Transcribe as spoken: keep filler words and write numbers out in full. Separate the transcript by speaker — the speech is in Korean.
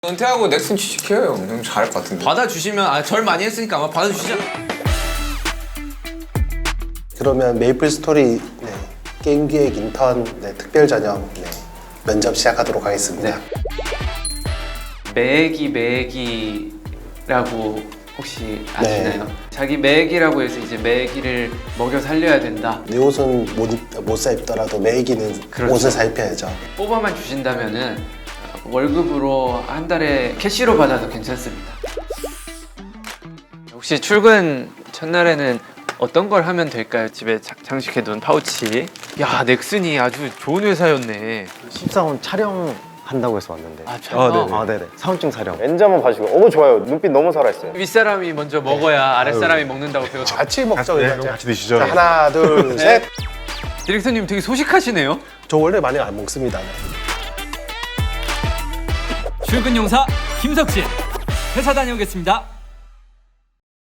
Speaker 1: 은퇴하고 넥슨 취직해요. 형 잘할 것 같은데.
Speaker 2: 받아주시면 아, 절 많이 했으니까 아마 받아주시잖아.
Speaker 3: 그러면 메이플 스토리 네, 게임 기획 인턴 네, 특별 전형 네, 면접 시작하도록 하겠습니다.
Speaker 4: 매기 매기라고 혹시 아시나요?
Speaker 3: 네.
Speaker 4: 자기 매기라고 해서 이제 매기를 먹여 살려야 된다.
Speaker 3: 내 옷은 못, 입- 못 사입더라도 매기는
Speaker 4: 그렇죠.
Speaker 3: 옷을 사입혀야죠.
Speaker 4: 뽑아만 주신다면은 월급으로 한 달에 캐시로 받아도 괜찮습니다. 혹시 출근 첫날에는 어떤 걸 하면 될까요? 집에 자- 장식해둔 파우치. 야, 넥슨이 아주 좋은 회사였네.
Speaker 5: 십사원 촬영한다고 해서 왔는데.
Speaker 4: 아, 촬영?
Speaker 5: 아, 네네. 사원증 촬영. 렌즈 한번 봐주고. 어머, 좋아요. 눈빛 너무 살아있어요.
Speaker 4: 윗사람이 먼저 먹어야 아랫사람이 먹는다고 배웠죠.
Speaker 3: 같이 먹죠.
Speaker 6: 네,
Speaker 3: 그냥.
Speaker 6: 그럼 같이 드시죠.
Speaker 3: 자, 하나, 둘, 셋.
Speaker 4: 디렉터님 되게 소식하시네요.
Speaker 3: 저 원래 많이 안 먹습니다. 네.
Speaker 7: 출근 용사 김석진 회사 다녀오겠습니다.